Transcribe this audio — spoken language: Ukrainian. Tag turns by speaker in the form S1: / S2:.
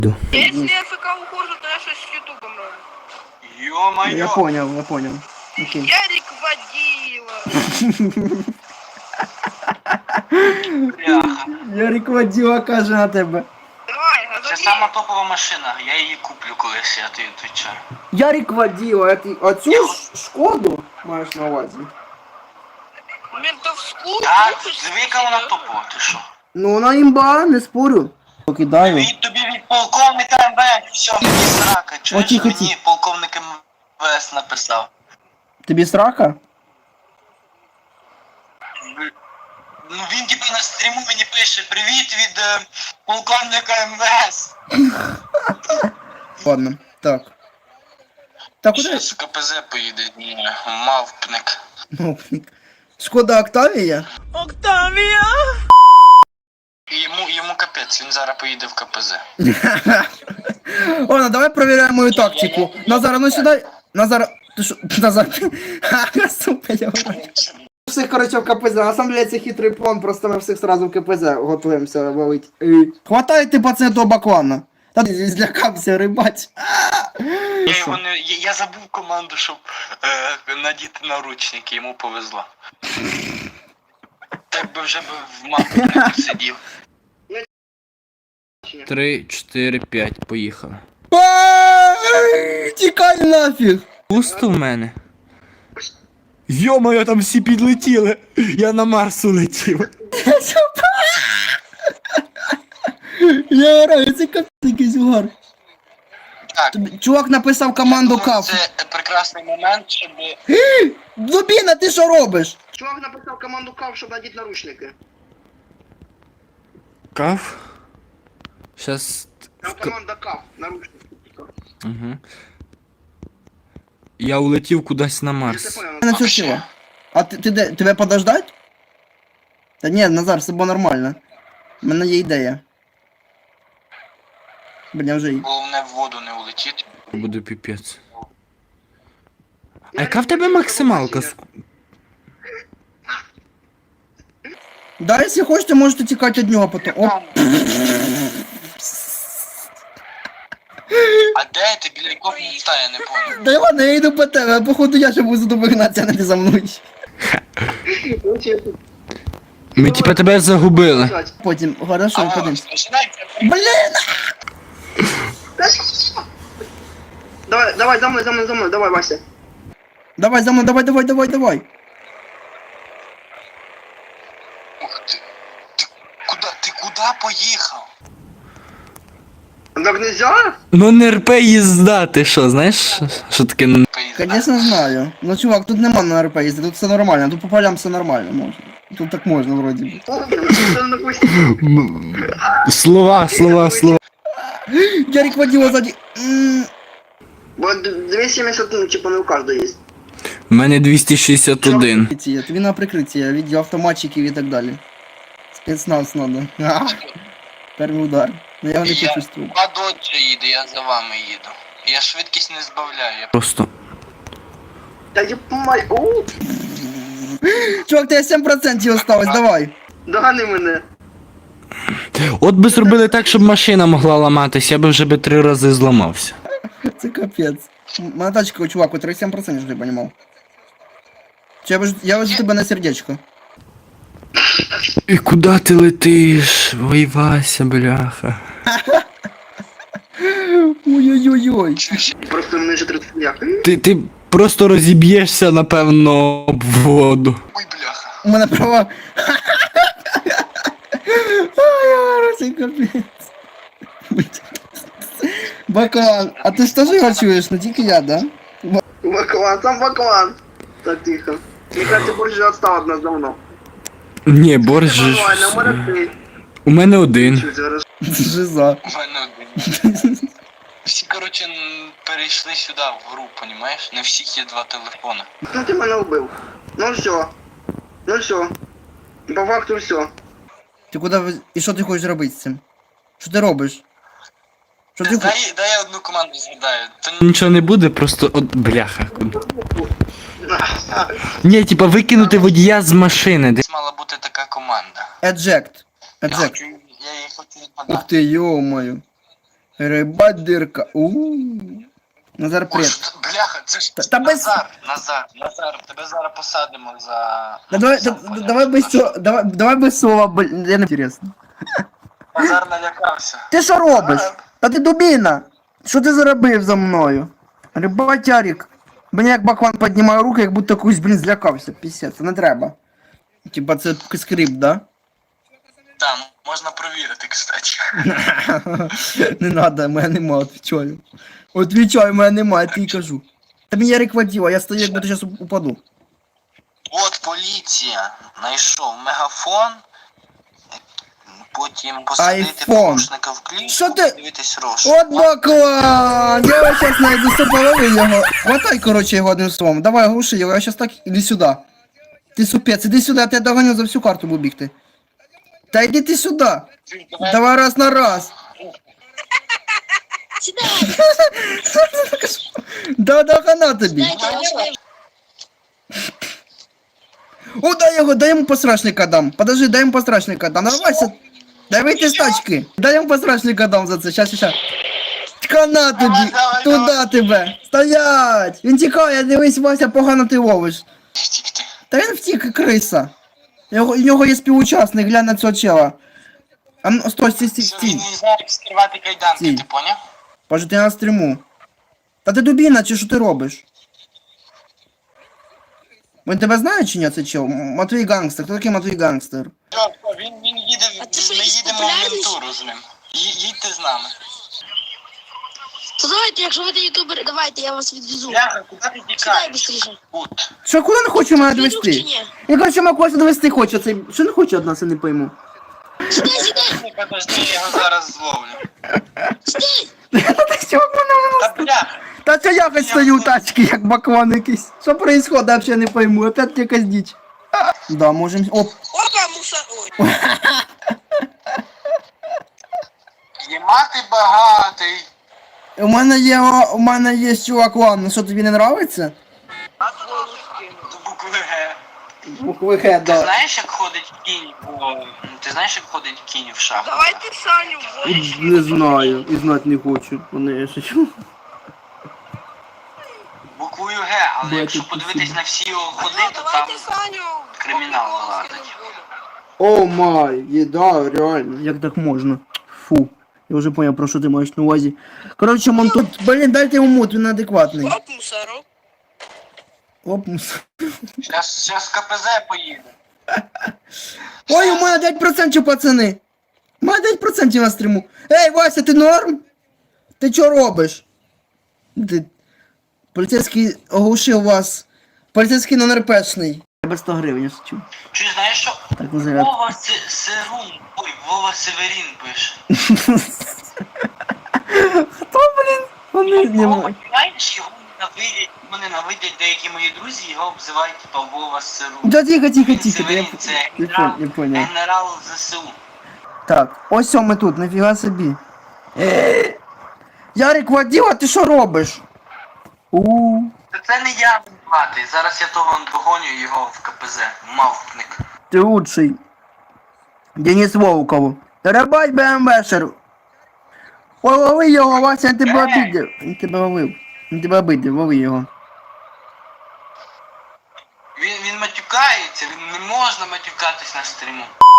S1: Если я ФК ухожу, то я что с ютубом роблю?
S2: Ё-моё!
S3: Я понял. Окей.
S1: Ярик водила.
S2: Бляха.
S3: Ярик водила каже на тебе.
S1: Давай,
S2: Це
S1: газони.
S2: сама топова машина, я її куплю колись, я тобі відвічаю.
S3: Ярик водила, а цю шкоду маєш на увазі?
S1: Ментовскую.
S2: Так, звика вона топова, ти що?
S3: Ну вона імба, не спорю. Покидаю.
S2: Тобі від полковника МВС, все, мені срака, чуєш,
S3: тихо,
S2: мені
S3: тихо.
S2: полковник МВС написав.
S3: Тобі срака?
S2: Ну він типу на стріму мені пише: привіт від полковника МВС.
S3: Ладно, так. Так, куди?
S2: Щас в КПЗ поїде, ні, мавпник.
S3: Мовник. Шкода Октавія?
S2: І йому капець, він зараз поїде в КПЗ.
S3: Ладно, давай проверяем мою тактику. Назар, а ну сюда. Назар, ты шо? Назар. Ха, сука, я вру. Всіх, короче, в КПЗ. На самом деле це хитрий план, просто ми всіх сразу в КПЗ готуємося валить. Хватайте, пацани, того баклана. Та ти злякався, рибать.
S2: Я його не. Я забув команду, щоб надіти наручники, йому повезло. Так би вже б в мавпнику сидів.
S4: 3, 4, 5, поїхали.
S3: Тікай нафіг.
S4: Пусто в мене. Йо-моє, там всі підлетіли. Я на Марс улетів.
S3: Я граю, це капець якийсь угар.
S2: Так,
S3: Чувак написав команду каф.
S2: це прекрасний момент, щоб.
S3: Дубіна, ти що робиш? Чувак написав команду каф, щоб надіти наручники.
S4: Каф? Щас...
S3: Там команда каф, наручники.
S4: Угу. Я улетів кудись на Марс.
S3: На цю силу. А ти де? Тебе подождать? Та ні, Назар, все було нормально. У мене є ідея. Бля, вже є.
S2: Головне в воду не улетіти.
S4: Буде піпець. А яка в тебе максималка?
S3: Да, якщо хочете, можете тікати від нього потім. Оп.
S2: А де ти біля якого міста, я не понял.
S3: Да ладно, я йду по тебе, а походу я ще буду за тобою гнатися, а не ти за мною.
S4: Ми типа тебе загубили.
S3: Потім, хорошо, подивимось.
S2: Починайте.
S3: Блін! Давай, за мною, давай, Вася. Давай, за мною, давай.
S2: Ух ти. Ти куди поїхав?
S3: Так нельзя?
S4: Ну не РП їзда, ти що, знаєш, що таке?
S3: Конечно знаю. Ну чувак, тут нема на РП їздити, тут все нормально, тут по полям все нормально можна. Тут так можна вроді би.
S4: Слова.
S3: Ярик водила сзади. Вот 270, ну, типа, не у каждого есть.
S4: У мене 261.
S3: Тобі на прикриття, від автоматчиків і так далі. Спецназ надо. Перший удар. Ну я його не почувствую.
S2: А доджа їде, я за вами їду. Я швидкість не збавляю. Я...
S4: Просто.
S3: Та я помай. Чувак, тебе 7% осталось, давай. Догани мене.
S4: От би зробили так, щоб машина могла ламатися, я би вже 3 рази зламався.
S3: Це капець. Моя тачка, чувак, у 37% вже понімав. Я везу тебе на сердечко.
S4: І куди ти летиш? Ой, Вася, бляха.
S3: Ой-ой-ой-ой. Просто мене вже 30 дня.
S4: Ти просто розіб'єшся, напевно, об воду.
S2: Ой, бляха.
S3: У мене права. Ой, це капець. Баклан, а ти ж теж його чуєш, не тільки я, да? Баклан, сам Баклан. Так, тихо. Мне кажется, Борж вже відстав від нас давно.
S4: Ні, борщ.
S3: Нормально, у мене ти.
S4: У мене один.
S3: Жиза.
S2: У мене один. Всі, коротше, перейшли сюди, в гру, понімаєш? Не всіх є 2 телефони.
S3: Ну ти мене вбив. Ну все. По факту все. Ти куди, і що ти хочеш робити з цим? Що ти робиш? Що ти хочеш?
S2: Дай я одну команду згадаю.
S4: Нічого не буде, просто от бляха. Ні, типа викинути водія з машини.
S2: Десь мала бути така команда.
S3: Eject.
S2: Я її хочу
S3: Ух
S2: згадати.
S3: ти, йо-моє. Рибать дирка. Назар,
S2: О,
S3: привіт.
S2: що- бляха, це ж
S3: Та без-
S2: Назар, тебе зараз посадимо за...
S3: Давай без цього, давай без слова, я не інтересно.
S2: Назар налякався.
S3: Ти що робиш? Та ти дубіна! Що ти заробив за мною? Рибатярик. Мені як баклан піднімає руки, як будто когось, блін, злякався. Пісець, це не треба. Типа це скрипт, да?
S2: Там, можна провірити, кстати.
S3: Не надо, мене нема, отвічаю. Отвічаю, мене нема, я тобі кажу. Та мені Ярик водила, я стою, як будто зараз упаду.
S2: От поліція знайшов мегафон, потім посадити
S3: Айфон.
S2: порушника в клітку,
S3: Що ти-
S2: дивитись розшук.
S3: От баклан! Я його зараз знайду, все полови його. Хватай, короче, його одним словом. Давай, глуши його, я зараз так, іди сюди. Ти супець, іди сюди, я тебе доганю за всю карту буду бігти. Та йди ти сюди. Давай раз на раз.
S5: Сідай,
S3: Да хана тобі.
S5: дайте я вас виведу.
S3: О, дай йому посрачника дам. Подожди, дай йому посрачника дам. Давайся. Дай вийти з тачки. Дай йому посрачника дам за це. Щас. Хана тобі.
S2: Давай.
S3: Туда тебе. Стоять. Він тікає, дивись, Вася, погано ти ловиш.
S2: Втікти.
S3: Та він втік, криса. У нього є співучасник, глянь на цього чела. А ну, стой,
S2: Що він
S3: стій.
S2: не знає, як скривати кайданки,
S3: Стій.
S2: ти поняв?
S3: Боже, ти на стріму. Та ти дубіна, чи що ти робиш? Він тебе знає чи ні, це чел? Матвій Гангстер. Хто такий Матвій Гангстер?
S2: Він їде,
S5: А ти що,
S2: ми
S5: якийсь
S2: їдемо в
S5: популярний?
S2: ментуру з ним. Їдьте з нами.
S5: То давайте, якщо ви ютубери, давайте, я вас відвезу.
S2: Бляха, куди ти
S5: Сідай
S2: тікаєш?
S5: быстріше.
S2: От.
S3: Що, куди не хоче мене
S5: Твій друг чи
S3: довести?
S5: ні?
S3: Я короче, мене когось довести хоче, цей... Що не хоче від нас, я не пойму.
S5: Сідай,
S2: Подожди, я його зараз зловлю.
S5: сідай.
S3: Та що мене?
S2: Та бляха.
S3: Та це я хоч стою у тачці, як баклан якийсь. Що происходит, я взагалі не пойму. Опять якась діч. Да, можем... Оп.
S1: Опа, мусор. Ой.
S2: Єма ти багатий.
S3: У мене є чувак, ладно, що тобі не нравиться?
S2: До букви Г.
S3: Букви Г,
S2: Ти
S3: да.
S2: знаєш, як ходить кінь по... Ти знаєш, як ходить кінь в шаху?
S1: Давайте Саню вводить.
S3: Не знаю, і знати не хочу. Вони я шучу.
S2: Буквою Г, але
S3: Бля,
S2: якщо
S3: тут
S2: подивитись
S3: спасибо.
S2: на всі його ходи,
S1: Ну,
S2: то там...
S1: давайте Саню.
S2: кримінал
S1: по-приколу
S2: ладить.
S3: О
S1: скинемо в воду.
S3: май, да, реально. Як так можна? Фу. Я вже понял, про що ти маєш на увазі. Коротше, Монтут, блін, дайте йому мут, він адекватний.
S1: Оп, мусорок.
S3: Оп, мус.
S2: Щас КПЗ поїде.
S3: Ой, у мене 9%, пацани. У мене 9% на стріму. Ей, Вася, ти норм? Ти що робиш? Ти... Поліцейський оглушив вас. Поліцейський нон-РПшний. Треба 100 гривень, я шучу.
S2: Чи знаєш, що
S3: Так на заряд.
S2: Вова Сирун, ой, Вова Северін пише.
S3: Хто, блін? Вони не
S2: Вова,
S3: можуть.
S2: знаєш, його ненавидять деякі мої друзі, його обзивають типа Вова Сирун.
S3: Да тихо, тихо,
S2: Він
S3: тихо.
S2: Северін, це
S3: Я понял.
S2: генерал ЗСУ.
S3: Так, ось ми тут, нафіга собі. Ярик, воділа, ти що робиш?
S2: Та це не я винуватий, зараз я того догоню його в КПЗ, мавпник.
S3: Ти лучший. Денис Волков. Рабать БМВшер. Ой, лови його, Вася, він тебе обидів. Він тебе ловив. Він тебе обидів, лови його.
S2: Він матюкається, він не можна матюкатись на стріму.